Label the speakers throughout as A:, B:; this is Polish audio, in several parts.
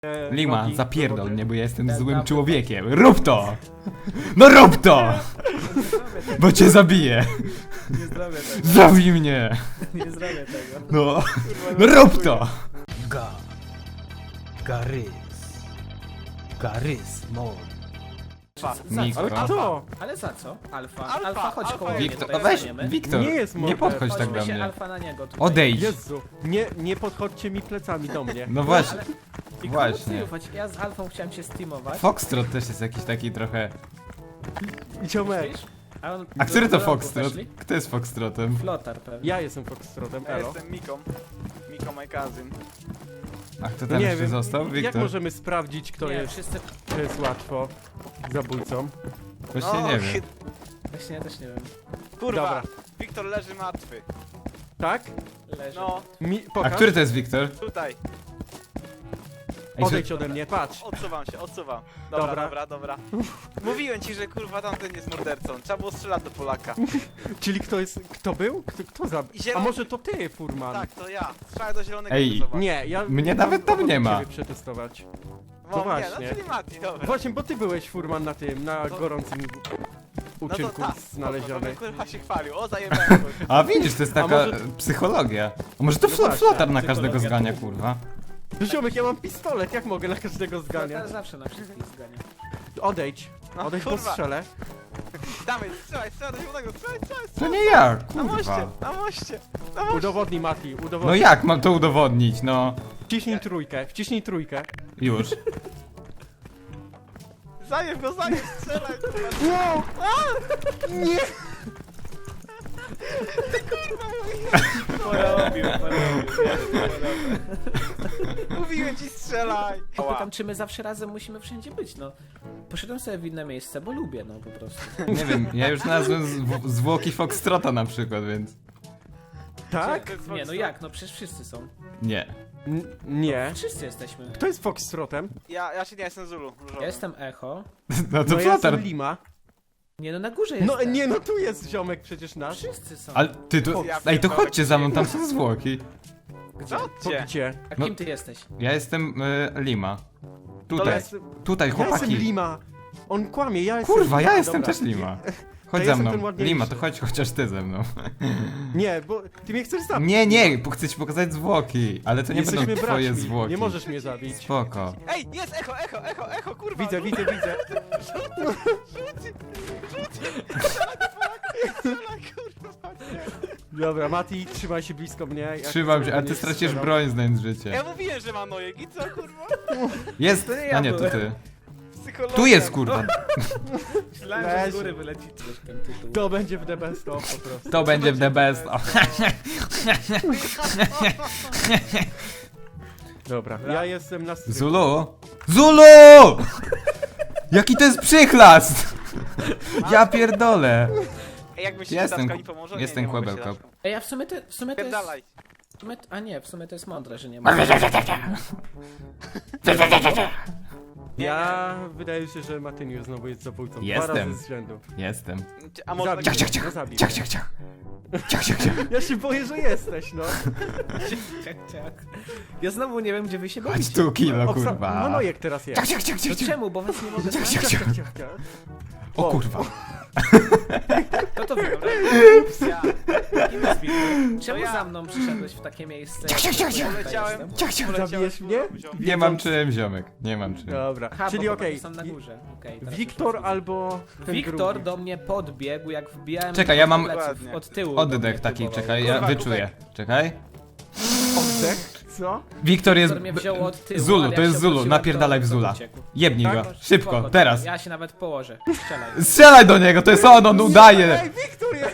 A: Lima,
B: nogi
A: zapierdol
B: do wody.
A: mnie, bo ja jestem złym człowiekiem. Rób to! No rób to! Bo cię zabiję!
C: Nie zrobię tego.
A: Zabij mnie!
C: Nie zrobię tego.
A: No, no rób to!
D: Garysmon.
A: Mikro.
B: Ale kto?
C: Ale za co? Alfa.
D: Alfa,
C: Alfa, chodź
D: Alfa
C: koło mnie,
A: Wiktor,
C: tutaj
A: weź,
C: staniemy.
A: Wiktor,
B: Nie jest
A: nie
B: morder.
A: podchodź tak
C: Chodźmy
A: do
C: się
A: mnie.
C: Alfa na niego tutaj.
A: Odejdź!
B: Jezu, nie podchodźcie mi plecami do mnie.
A: No właśnie,
C: I
A: właśnie.
C: komu ufać? Ja z Alfą chciałem się steamować.
A: Foxtrot też jest jakiś taki trochę...
B: Ziomek,
C: Myślisz? On
A: A który to
C: do rogu
A: Foxtrot?
C: weszli?
A: Kto jest Foxtrotem?
C: Flotar pewnie.
B: ja jestem Foxtrotem,
D: Ja
B: elo.
D: jestem Miką. Miko my cousin.
A: A kto tam
B: Nie
A: jeszcze
B: wiem,
A: został?
B: jak
A: Wiktor?
B: możemy sprawdzić, kto
C: Nie,
B: jest,
C: wszyscy...
B: kto jest łatwo zabójcą?
A: Właśnie nie wiem.
C: Właśnie ja też nie wiem.
D: Kurwa,
B: Dobra.
D: Wiktor leży martwy.
B: Tak?
C: Leży.
D: No,
A: A
B: Pokaż.
A: który to jest Wiktor?
D: tutaj.
A: Ej,
B: Odejdź ode mnie, patrz.
D: Odsuwam się, odsuwam. Dobra,
B: Dobra.
D: dobra, dobra. Mówiłem ci, że kurwa tamten jest mordercą. Trzeba było strzelać do Polaka.
B: Czyli kto jest, kto był? Kto zabił? A
D: Zielony.
B: może to ty, Furman?
D: Tak, to ja. Strzelaj do zielonego.
A: Ej,
D: zobacz.
B: Nie, ja...
A: Mnie nawet tam nie ma.
B: Ciebie przetestować.
D: No,
B: no
D: nie,
B: właśnie.
D: no czyli Mati, dobra.
B: Właśnie, bo ty byłeś, Furman, na tym, na
D: To-
B: gorącym uczynku
D: tak,
B: znaleziony.
D: Kurwa się chwalił, o zajebałem.
A: A widzisz, to jest taka
B: może-
A: psychologia. A może to
B: No właśnie,
A: flotar na każdego
C: psychologia.
A: zgania, kurwa?
B: No ziomek, ja mam pistolet, jak mogę na każdego
C: Flotar
B: zganiać?
C: zawsze na wszystkich zgania.
B: Odejdź,
D: No,
B: odejdź, bo
D: kurwa.
B: strzelę.
D: Dawaj, strzelaj do zielonego, strzelaj.
A: To nie ja,
D: Na moście,
A: kurwa.
D: na moście, na moście.
B: Udowodnij, Mati,
A: No
B: udowodnij.
A: jak mam to udowodnić, no?
B: Wciśnij trójkę.
A: Już.
D: Zajeb go, strzelaj.
B: Wow! Nie!
C: Porobił.
D: Mówiłem ci strzelaj.
C: Pytam, czy my zawsze razem musimy wszędzie być, no. Poszedłem sobie w inne miejsce, bo lubię, no po prostu.
A: Nie wiem, ja już znalazłem zwłoki Foxtrota na przykład, więc...
B: Tak?
C: Nie, no jak, no przecież wszyscy są.
A: Nie.
B: Nie.
C: Wszyscy jesteśmy.
B: Kto jest Foxtrotem?
D: Ja się nie jestem Zulu.
C: Ja jestem Echo.
A: No to
B: No ja
A: flotar.
B: jestem Lima.
C: Nie, no na górze jest.
B: No nie, no tu jest ziomek przecież nasz.
C: Wszyscy są.
A: Ale ty tu...
D: Ja
A: Ej, to
D: pierdolę,
A: chodźcie za mną, tam są zwłoki.
C: Gdzie?
B: To
D: Gdzie?
B: gdzie?
C: A
A: No-
C: kim ty jesteś?
A: Ja jestem Lima.
B: To
A: Tutaj,
B: jest...
A: tutaj,
B: Ja jestem
A: chłopaki.
B: Lima. On kłamie, ja jestem
A: Kurwa,
B: Lima.
A: ja jestem
B: Dobra.
A: też Lima. Chodź
B: ja
A: za
B: jestem ten
A: mną.
B: ładniejszy.
A: Lima, to chodź chociaż ty ze mną.
B: Nie, bo ty mnie chcesz zabić.
A: Nie, bo chcę ci pokazać zwłoki, ale to nie
B: Jesteśmy
A: będą twoje
B: braćmi.
A: zwłoki.
B: Nie możesz mnie zabić.
A: Spoko.
D: Ej, jest echo, kurwa.
B: Widzę.
D: Strzelaj, kurwa.
B: Dobra, Mati, trzymaj się blisko mnie. jak
A: Trzymam się,
B: chcę,
A: a ty
B: nie
A: stracisz
B: strzelam.
A: broń znając życie.
D: Ja mówiłem, że mam nojek i co, kurwa?
A: Jest!
C: To nie ja
A: A nie, to
C: byłem.
A: ty.
D: Psychologia.
A: Tu jest kurwa.
C: Myślałem, że z
B: Leży.
C: góry wyleci coś ten tytuł.
B: To będzie w the best of po prostu.
A: To będzie w the best. O.
B: Dobra, ja jestem na strychu.
A: Zulu? Zulu! Jaki to jest przychlast! Ja pierdolę.
D: Ej, jak myślisz,
A: Jestem-
D: że Daszka mi pomoże?
A: jestem
D: nie mogę
A: kłębełko.
D: się Daszką.
C: Ej, a w sumie to jest...
D: Pierdalaj.
C: A nie, w sumie to jest mądre, że nie ma.
B: Ja wydaje się, że Matyniu znowu jest zabójcą. Dwa
A: Jestem.
B: razy z rzędu.
A: Jestem.
D: A może
B: Zabij
D: tak...
B: mnie, no zabij
A: Ciach,
B: mnie.
A: ciach, ciach. Ciach, ciach, ciach.
B: Ja się boję, że jesteś, no.
C: Ciak. Ja znowu nie wiem, gdzie wy się
A: Chodź
C: bawicie.
A: tu, kilo,
B: No
A: kurwa.
B: Manojek teraz jest.
A: Ciach, ciach, ciach,
C: To
A: ciach, ciach.
C: czemu? Bo was nie mogę
A: Ciach,
C: znaleźć.
A: ciach, ciach.
B: ciach.
A: O kurwa.
C: Kto to wybrał?
D: Ja.
C: Kim jest Wiktor? Czemu
D: ja.
C: za mną przyszedłeś w takie miejsce?
A: Ciach, ciach, ciach, ciach.
C: Ja tutaj
D: Poleciałem.
C: jestem?
A: Ciach, ciach.
B: Zabijesz mnie?
A: Nie mam czym, ziomek. Nie mam czym.
B: Dobra,
C: Aha,
B: czyli
C: bo
B: okej.
C: są na górze. Okej, teraz
B: Wiktor
C: już
B: albo ten
C: Wiktor
B: drugi.
C: do mnie podbiegł, jak wbijałem
A: Czekaj, ja mam-
C: pleców
D: Dokładnie.
C: od tyłu. do
A: Oddech
C: mnie
A: taki,
C: próbował.
A: czekaj, ja
D: Kurwa,
A: wyczuję. Czekaj.
B: Oddech? Co?
A: Wiktor jest...
C: Wiktor mnie wziął od tyłu,
A: Zulu,
C: ale
A: to
C: jak
A: jest
C: się
A: Zulu,
C: obróciłem,
A: napierdalaj w
C: to
A: Zula.
C: uciekł.
A: Jebnij
B: Tak?
A: go, szybko,
C: Spoko,
A: teraz.
C: Ja się nawet położę. Strzelaj.
A: Strzelaj do niego, to jest on udaje.
B: Ej, Wiktor jest!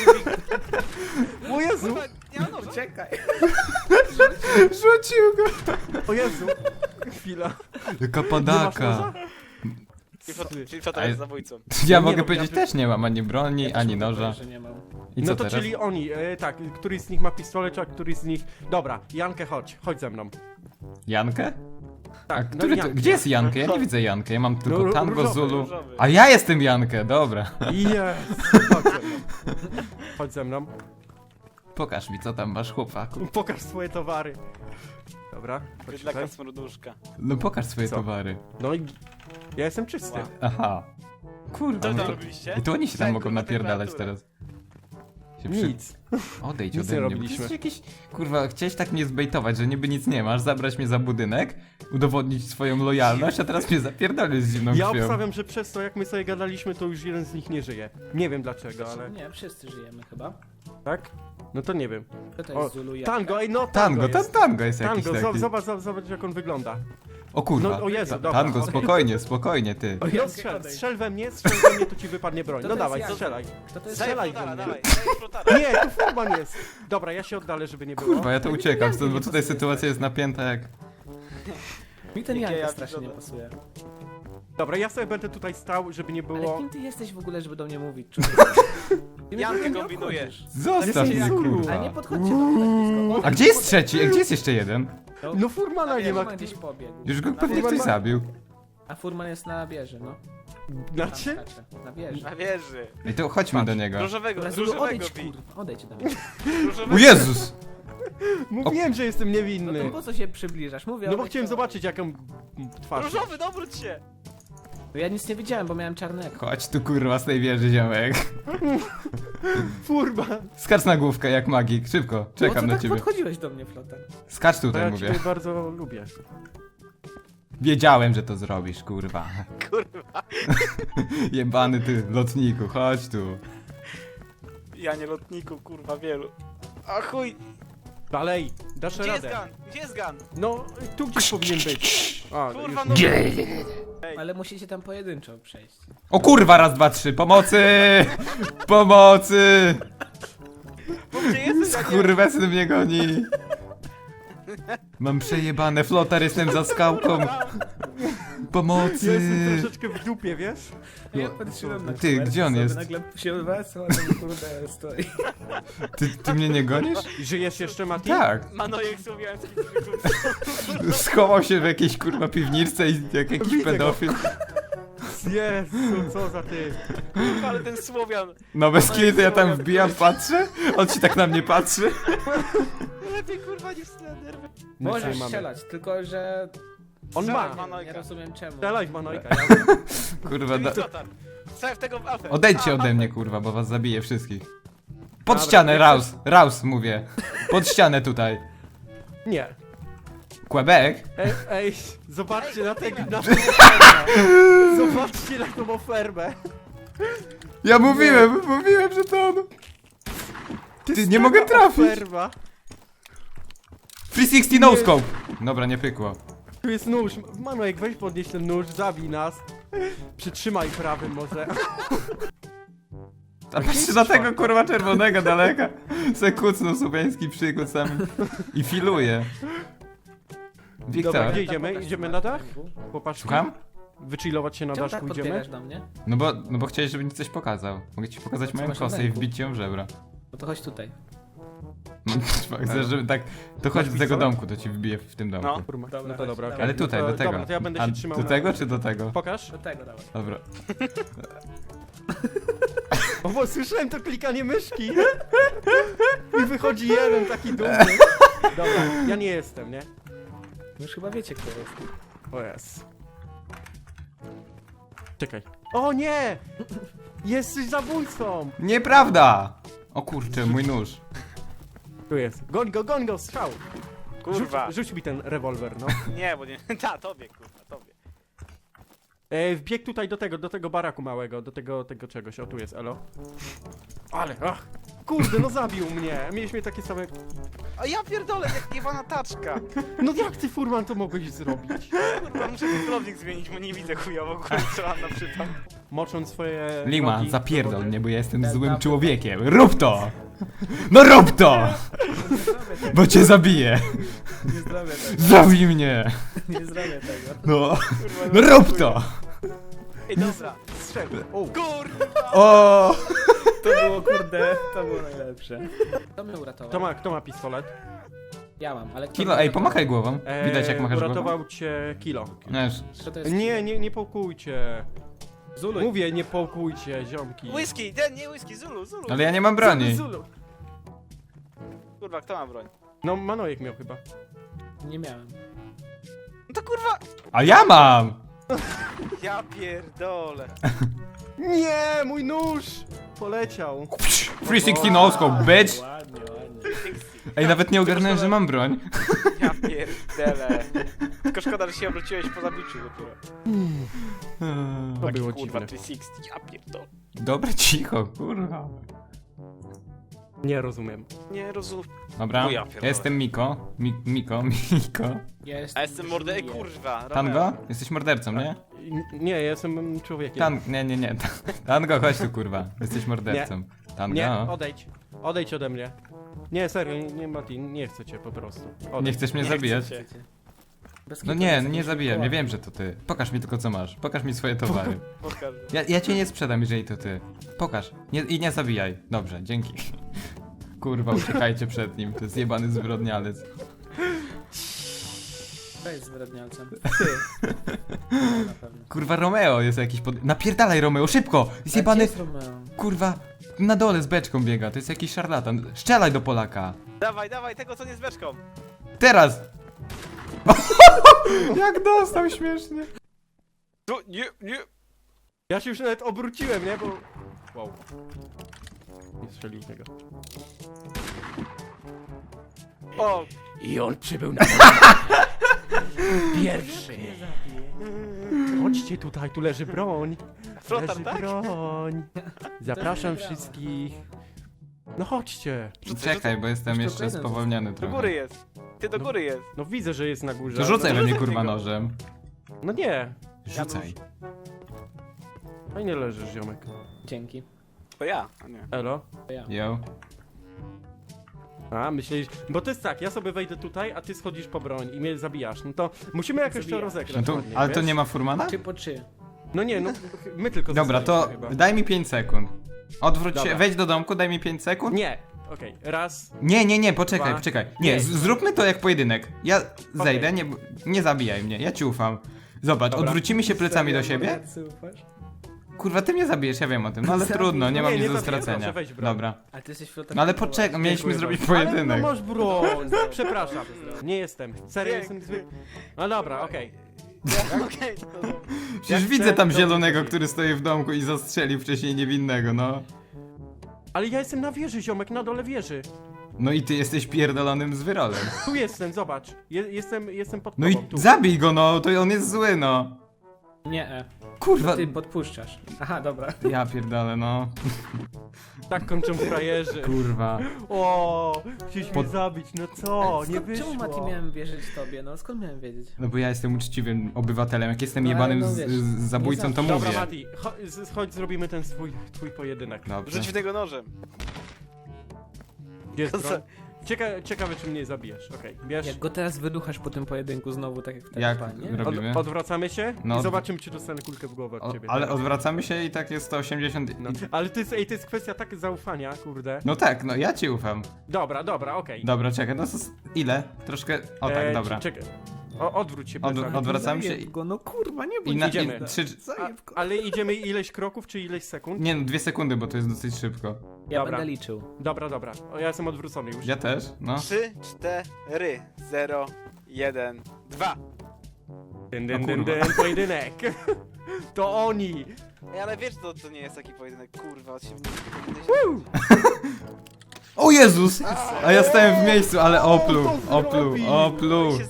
B: O Jezu!
D: Kurwa, nie mam noża.
C: Czekaj.
A: Rzucił go.
B: O Jezu! Chwila.
A: Jaka
B: Nie masz
A: padaka.
B: noża?
D: Czyli co to jest zabójcą?
A: Ja
B: Nie
A: mogę
B: no,
A: powiedzieć,
B: ja-
A: też nie mam ani broni,
C: Ja też
A: ani
C: mogę
A: noża.
C: powiedzieć, że nie mam.
A: I co
B: No to
A: teraz?
B: czyli oni, tak, któryś z nich ma pistolet, a któryś z nich... Dobra, Jankę chodź ze mną.
A: Jankę?
B: Tak,
A: A który to,
B: Jankę.
A: gdzie jest Jankę? Ja nie widzę Jankę, ja mam tylko
B: No,
A: Tango,
B: różowy,
A: Zulu.
D: różowy.
A: A ja jestem Jankę, dobra.
B: Jest! Chodź ze mną. Chodź ze mną.
A: Pokaż mi, co tam masz, chłopaku.
B: Pokaż swoje towary. Dobra, chodź
D: Bydlaka
B: tutaj.
D: smroduszka.
A: No pokaż swoje
B: Co?
A: towary.
B: No i ja jestem czysty.
D: Wow.
A: Aha. Kurwa,
D: Co
A: no
D: tam
A: to...
D: robiliście?
A: I to oni się tam
D: Tak,
A: mogą
D: kurwa,
A: napierdalać
D: temperatura.
A: teraz. Się
B: Nic.
A: Odejdź
B: Nic
A: ode
B: nie
A: mnie.
B: robiliśmy.
A: To jest jakiś... Kurwa, chciałeś tak mnie zbejtować, że niby nic nie masz, zabrać mnie za budynek, udowodnić swoją lojalność, a teraz mnie zapierdolisz z zimną
B: Ja
A: krwią.
B: obstawiam, że przez to jak my sobie gadaliśmy, to już jeden z nich nie żyje. Nie wiem dlaczego, ale...
C: Nie, wszyscy żyjemy chyba.
B: Tak? No to nie wiem.
C: To to
B: O,
C: jest Zulu i
B: Tango, ej no
A: Tango,
B: jest.
A: tango jest jakiś
B: Tango,
A: taki.
B: zobacz jak on wygląda.
A: O kurwa.
B: No, o Jezu, dobra.
A: Tango, spokojnie, ty.
C: O,
B: No
C: Jankę,
B: strzel,
C: odejdź.
B: strzel we mnie, to ci wypadnie broń.
C: To
B: No
C: to jest
B: dawaj,
C: Janka.
B: strzelaj.
C: Kto to jest?
D: Daj
B: Strzelaj
D: flotara,
B: we mnie.
D: dawaj, daj flotara.
B: Nie, tu Furman jest. Dobra, ja się oddalę, żeby nie było.
A: Kurwa, ja to uciekam stąd, bo tutaj sytuacja jest napięta jak...
C: Mi ten
D: Jakie
C: Janka
D: ja
C: strasznie nie
D: wyglądam.
C: pasuje.
B: Dobra, ja sobie będę tutaj stał, żeby nie
C: Ale
B: było...
C: kim ty jesteś w ogóle, żeby do mnie mówić, człowieku? Ty mnie
D: Jankę
C: w ogóle nie
D: kombinuje.
C: obchodzisz.
A: Zostaw
B: Jestem
A: mnie,
B: Zulu.
A: kurwa.
C: Ale nie podchodźcie do mnie tak blisko.
A: A gdzie jest trzeci? A gdzie jest jeszcze jeden?
B: No Furmana nie ma.
C: Furman gdzieś pobiegł.
A: Już go pewnie
B: Furman
A: ktoś
B: ma-
A: zabił.
C: A Furman jest na wieży, no.
B: Na
C: Tam
B: czym?
C: skacze. Na wieży.
D: Na wieży.
A: Ej, to chodźmy do niego.
D: Różowego,
C: Dobra, Zulu,
D: różowego
C: odejdź,
D: bij.
C: kurwa. Odejdź do mnie.
D: Różowego.
A: O Jezus!
B: Mówiłem, że jestem
C: No
B: niewinny.
C: to po co się przybliżasz? Mówię,
B: No bo
C: odejdź,
B: chciałem
C: to-
B: zobaczyć jaką twarz.
D: Różowy, dobróć się.
C: No ja nic nie widziałem, bo miałem czarnego.
A: Chodź tu kurwa z tej wieży, ziomek.
B: Furman.
A: Skacz na główkę jak magik, szybko.
C: Po co
A: Czekam na
C: tak
A: ciebie.
C: podchodziłeś do mnie, Flotar?
A: Skacz
B: To
A: tutaj,
B: ja
A: mówię.
B: ciebie bardzo lubię.
A: Wiedziałem, że to zrobisz, kurwa.
D: Kurwa.
A: Jebany ty, lotniku, chodź tu.
D: Ja nie lotniku, kurwa, wielu. A chuj.
B: Dalej, dasz
D: Gdzie jest
B: radę.
D: gun? Gdzie jest gun?
B: No, tu gdzieś powinien być. A,
D: Kurwa,
B: już...
D: no.
C: Ale musicie tam pojedynczo przejść.
A: O kurwa, raz, dwa, trzy, pomocy! Pomocy!
D: Bo gdzie jesteś? Ja nie-
A: Skurwesyn mnie goni. Mam przejebane, Flotar, jestem za skałką.
B: Ja
A: Pomocy!
B: jestem troszeczkę w dupie, wiesz?
C: Ja patrzyłem na
A: Ty,
C: kamerę,
A: gdzie on
C: sobie
A: jest?
C: Nagle się odwraca, a tam kurde stoi.
A: Ty mnie nie gonisz?
B: Żyjesz jeszcze, Mati?
A: Tak.
D: Manojek słowiański trików.
A: Schował się w jakiejś kurwa piwniczce i jak jakiś
B: Widzę go.
A: pedofil.
B: Jezu, co za ty.
D: Kurwa, ale ten Słowian.
A: No bez kitu, ja tam wbijam, patrzę, on ci tak na mnie patrzy.
D: Lepiej kurwa niż Slender.
C: Możesz
B: mamy.
C: strzelać, tylko że...
B: On
D: Strzelaj,
B: ma.
D: Manojka.
C: Nie rozumiem czemu.
B: Strzelaj w Manojka.
A: Kurwa,
D: Ty flotar. Strzelaj w tego w alfę.
A: odejdźcie
D: A,
A: ode
D: alfę.
A: mnie, kurwa, bo was zabiję wszystkich. Pod
B: Dobra,
A: ścianę,
B: jak
A: raus, raus mówię. Pod ścianę tutaj.
B: Nie.
A: Quebec?
B: Ej, zobaczcie na tego. Zobaczcie na tą ofermę.
A: Ja mówiłem, że to on. Ty, nie mogę trafić.
B: Oferma.
A: 360 no scope. Dobra, nie pykło.
B: Tu jest nóż. Manojek, weź podnieś ten nóż, zabij nas. Przytrzymaj prawym może.
A: A patrzcie na tego kurwa czerwonego daleka. Se kucnął subeński przykład sam i filuje.
B: Dobra,
A: Wiktor,
B: gdzie idziemy?
C: Pokaż
B: Idziemy
C: ci
B: na dach?
C: Martynku.
B: Popatrz.
A: słucham?
B: Wychillować się na
C: Czemu tak
B: daszku idziemy?
C: podbiegasz do mnie?
A: No bo chciałeś, żebym ci coś pokazał. Mogę ci pokazać
C: Co
A: moją
C: masz na
A: kosę i
C: ręku?
A: wbić ją w żebra.
C: No to chodź tutaj.
A: No, chcesz, żeby tak... To chodź do tego
B: pistolet?
A: domku, to ci wbiję w tym domku.
D: No.
B: Kurwa,
C: Dobra,
B: no to
C: chodź,
B: dobra,
C: dawaj.
B: okej.
A: Ale tutaj,
B: no to,
A: do tego.
B: Dobra, to ja będę
A: A
B: się trzymał
A: do
B: na-
A: tego czy do tego?
B: Pokaż.
C: Do tego dawaj.
A: Dobra.
B: O, bo słyszałem to klikanie myszki. I wychodzi jeden taki dumny. Dobra, ja nie jestem, nie?
C: Już chyba wiecie, kto jest.
B: O jest. Czekaj. O nie! Jesteś zabójcą!
A: Nieprawda! O kurczę, mój nóż.
B: Tu jest. Goń go, strzał!
D: Kurwa.
B: Rzuć mi ten rewolwer, no.
D: Nie, bo nie. Ta, tobie, kurwa, tobie.
B: Wbieg tutaj do tego baraku małego, do tego czegoś. O, tu jest, elo. Ale, ach! Kurde, no zabił mnie! Mieliśmy takie same...
D: A ja pierdolę, jak Iwana taczka.
B: No jak ty, Furman, to mogłeś zrobić?
D: Kurwa, muszę celownik zmienić, bo nie widzę chujowo, kurwa, strzelam na przytom.
B: Mocząc swoje...
A: Lima,
B: nogi
A: zapierdol
B: do wody.
A: mnie, bo ja jestem
C: Ten
A: złym
C: tam-
A: człowiekiem. Rób to! No rób to! Bo cię zabiję!
C: Nie zrobię tego.
A: Zabij mnie!
C: Nie zrobię tego.
A: No,
D: Kurwa,
A: no rób to!
D: Ej, dobra.
B: Strzel. O,
D: Kurwa!
A: O!
C: To było kurde, to było najlepsze. Kto mnie uratował?
B: kto ma pistolet?
C: Ja mam, ale kto
A: Kilo,
C: mnie
A: ej,
C: uratował?
A: pomachaj głową. Widać jak machasz głową?
B: Uratował cię Kilo.
A: Wiesz,
C: Kto to jest?
B: Nie połkujcie.
C: Zulu.
B: Mówię, nie połkujcie, ziomki.
D: Whisky, ten, nie whisky, Zulu.
A: ale ja nie mam broni.
B: Zulu.
D: Kurwa, kto ma broń?
B: No, Manojek miał chyba.
C: Nie miałem.
D: No to kurwa!
A: A ja mam!
D: Ja pierdolę.
B: Nie, mój nóż! Poleciał.
A: 360 no scope, bitch!
C: Ładnie, ładnie.
A: Ej, nawet nie ogarnąłem, że mam broń.
D: Ja pierdolę. Tylko szkoda, że się obróciłeś po zabiciu dopiero.
B: To
D: Taki,
B: było
D: kurwa,
B: dziwne.
D: 360, ja pierdolę.
A: Dobra, cicho, kurwa.
B: Nie rozumiem.
D: Nie rozumiem.
A: Dobra,
D: O ja
A: ja
D: pierdolę.
A: jestem Miko. Miko.
D: A jestem mordę... Ej, kurwa.
A: Tango?
D: Romeo.
A: Jesteś mordercą, nie?
B: Nie, ja jestem człowiekiem.
A: Nie. Tango, chodź tu, kurwa. Jesteś mordercą. Tango.
B: Nie, odejdź. Odejdź ode mnie. Nie, serio, nie Mati, nie chcę cię po prostu. Odejdź.
A: Nie chcesz mnie
D: Nie
A: zabijać?
D: chcecie.
A: No nie zabijam, ja wiem, że to ty. Pokaż mi tylko co masz. Pokaż mi swoje towary.
D: Pokażę.
A: Ja cię nie sprzedam, jeżeli to ty. Pokaż. I nie zabijaj. Dobrze, dzięki. Kurwa, uciekajcie przed nim. To jest jebany zbrodnialec.
C: To jest zbrodnialcem. Na pewno.
A: Kurwa, Romeo jest jakiś pod... Napierdalaj, Romeo, szybko! Jest jebany...
C: Gdzie jest Romeo?
A: Kurwa, na dole z beczką biega. To jest jakiś szarlatan. Strzelaj do Polaka.
D: Dawaj, dawaj, tego co nie z beczką.
A: Teraz! Jak dostał śmiesznie.
D: Tu, nie.
B: Ja się już nawet obróciłem, nie? Bo... Wow. Nie strzelił tego.
D: O,
B: I on przybył na pierwszy. Chodźcie tutaj, tu leży broń.
D: flotar,
B: Leży
D: tak?
B: broń. Zapraszam wszystkich. No chodźcie.
A: Czekaj, bo jestem
C: Już
A: jeszcze
C: tylko jeden
A: spowolniony
D: Do
A: trochę.
D: góry jest. Ty do góry jest.
B: No widzę, że jest na górze.
A: To rzucaj
B: ale-
A: we mnie,
D: rzucaj
A: kurwa,
D: go.
A: nożem.
B: No nie.
A: Rzucaj.
B: Fajnie leżysz, ziomek.
C: Dzięki.
D: To ja, a nie.
B: Elo.
C: To ja.
A: Yo.
B: A, myślisz... Bo to jest tak, ja sobie wejdę tutaj, a ty schodzisz po broń i mnie zabijasz. No to musimy jakoś to
C: Zabijam.
A: No
B: rozegrać
A: to,
B: ładnie,
A: ale to
B: wiesz?
A: nie ma furmana?
C: 3 po 3.
B: No nie, no my tylko
A: Dobra, to
B: zostaliśmy chyba.
A: daj mi 5 sekund. Odwróć się,
B: Dobra.
A: wejdź do domku, daj mi 5 sekund.
B: Nie. Okej, raz.
A: Nie, poczekaj,
B: Dwa.
A: poczekaj. Nie,
B: Nie.
A: zróbmy to jak pojedynek. Ja zejdę, nie zabijaj mnie, ja ci ufam. Zobacz,
B: Dobra.
A: odwrócimy się plecami do siebie. Kurwa, ty mnie zabijesz, ja wiem o tym, no ale
C: Zabiję.
A: trudno, nie mam
B: Nie,
A: nic
B: nie
A: do
B: zabijaj,
A: stracenia.
B: proszę, weź broń.
A: Dobra.
C: A ty jesteś flotar.
A: No ale poczekaj, mieliśmy
B: Dziękuję
A: zrobić
B: bardzo.
A: pojedynek.
B: Ale no masz broń. Przepraszam. Nie jestem. Serio
D: Piękny.
B: jestem zły. No dobra, okej.
D: Okej, to dobra.
A: Przecież
B: Jak
A: widzę
B: chcę,
A: tam
B: to
A: zielonego,
B: chodzi.
A: który stoi w domku i zastrzelił wcześniej niewinnego, no.
B: Ale ja jestem na wieży, ziomek, na dole wieży.
A: No i ty jesteś pierdolonym zwyrolem.
B: Tu jestem, zobacz. Jestem pod
A: No
B: tobą,
A: i
B: tu.
A: zabij go, no, to on jest zły, no.
C: Nie,
A: Kurwa.
C: ty podpuszczasz. Aha, dobra.
A: Ja pierdolę, no.
B: Tak kończą frajerzy.
A: Kurwa.
B: O, chcieliśmy
A: Pod-
B: zabić, no co, nie
C: Skąd,
B: wyszło.
C: czemu Mati miałem wierzyć tobie? No skąd miałem wiedzieć?
A: No bo ja jestem uczciwym obywatelem. Jak jestem
C: No, ale
A: jebanym
C: no wiesz,
A: z zabójcą,
C: nie
A: to
C: zawsze.
A: mówię.
B: Dobra, Mati, chodź zrobimy ten twój pojedynek.
A: Dobrze.
D: Rzuć w niego nożem.
B: Gdzie jest
D: To
B: broń? Ciekawe, czy mnie zabijesz. Okej, bierz.
C: Jak go teraz wyduchasz po tym pojedynku znowu, tak jak w
A: Jak
C: nie?
A: ro- robimy?
B: Odwracamy się
A: No.
B: i zobaczymy, czy dostanę kulkę w głowę od ciebie.
A: Ale odwracamy się i tak jest 180.
B: No. Ale to jest kwestia tak zaufania, kurde.
A: No tak, no ja ci ufam.
B: Dobra, okej.
A: Dobra, czekaj, no to ile? Troszkę. O tak, dobra.
B: Czekaj. Odwróć się plecami.
A: Odwracamy się
C: Zajeb go, no kurwa, nie
A: i
C: bój
A: na
C: się.
B: idziemy.
A: 3.
C: Zajeb go.
B: Ale idziemy ileś kroków, czy ileś sekund?
A: Nie no, 2 sekundy, bo to jest dosyć szybko.
C: Ja
B: Dobra.
C: będę liczył.
B: Dobra. O, ja jestem odwrócony już.
A: Ja też, no.
D: 3, 4, 0, 1, 2.
B: Dyn,
A: O kurwa.
B: pojedynek. To oni.
D: Ej, ale wiesz, to nie jest taki pojedynek, kurwa. Się...
A: O Jezus! A ja stałem w miejscu, ale opluł,
B: Co
A: opluł,
B: zrobił?
A: opluł.